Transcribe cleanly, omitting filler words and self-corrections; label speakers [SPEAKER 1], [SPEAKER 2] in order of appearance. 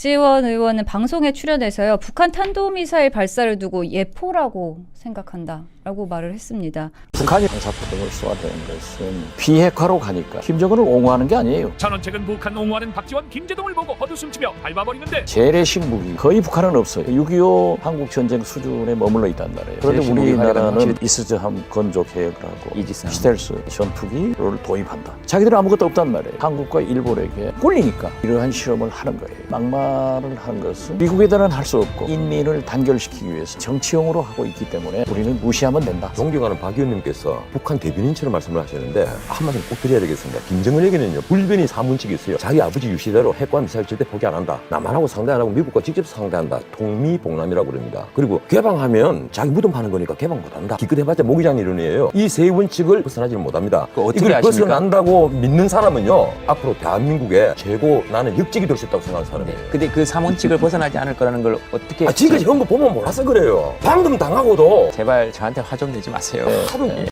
[SPEAKER 1] 박지원 의원은 방송에 출연해서요. 북한 탄도미사일 발사를 두고 예포라고 생각한다라고 말을 했습니다.
[SPEAKER 2] 북한이 방사포 등을 쏘아대는 것은 비핵화로 가니까 김정은을 옹호하는 게 아니에요.
[SPEAKER 3] 전원책은 북한 옹호하는 박지원, 김제동을 보고 헛웃음치며 밟아버리는데
[SPEAKER 2] 재래식 무기 거의 북한은 없어요. 6.25 한국 전쟁 수준에 머물러 있단 말이에요. 그런데 우리나라는 이스즈함 건조 계획을 하고 스텔스 전투기를 도입한다. 자기들은 아무것도 없단 말이에요. 한국과 일본에게 꼴리니까 이러한 실험을 하는 거예요. 막말을 하는 것은 미국에 대한 할 수 없고 인민을 단결시키기 위해서 정치용으로 하고 있기 때문에 우리는 무시하면 된다.
[SPEAKER 4] 존경하는 박 의원님께서 북한 대변인처럼 말씀을 하시는데 한마디 꼭 드려야 되겠습니다. 김정은에게는요 불변이 사문칙이 있어요. 자기 아버지 유시대로 핵과 미사일 절대 포기 안 한다. 남한하고 상대 안 하고 미국과 직접 상대한다. 통미봉남이라고 그럽니다. 그리고 개방하면 자기 무덤 파는 거니까 개방 못한다. 기껏해봤자 모기장 이론이에요. 이 세 원칙을 벗어나지를 못합니다. 이걸
[SPEAKER 5] 아십니까?
[SPEAKER 4] 벗어난다고 믿는 사람은요 앞으로 대한민국의 최고 나는 역직이 될 수 있다고 생각하는 사람이에요.
[SPEAKER 5] 근데 그 3원칙을 벗어나지 않을 거라는 걸 어떻게
[SPEAKER 4] 지금까지 한 거 보면 몰라서 그래요. 방금 당하고도
[SPEAKER 5] 제발 저한테 화 좀 내지 마세요.
[SPEAKER 4] 하도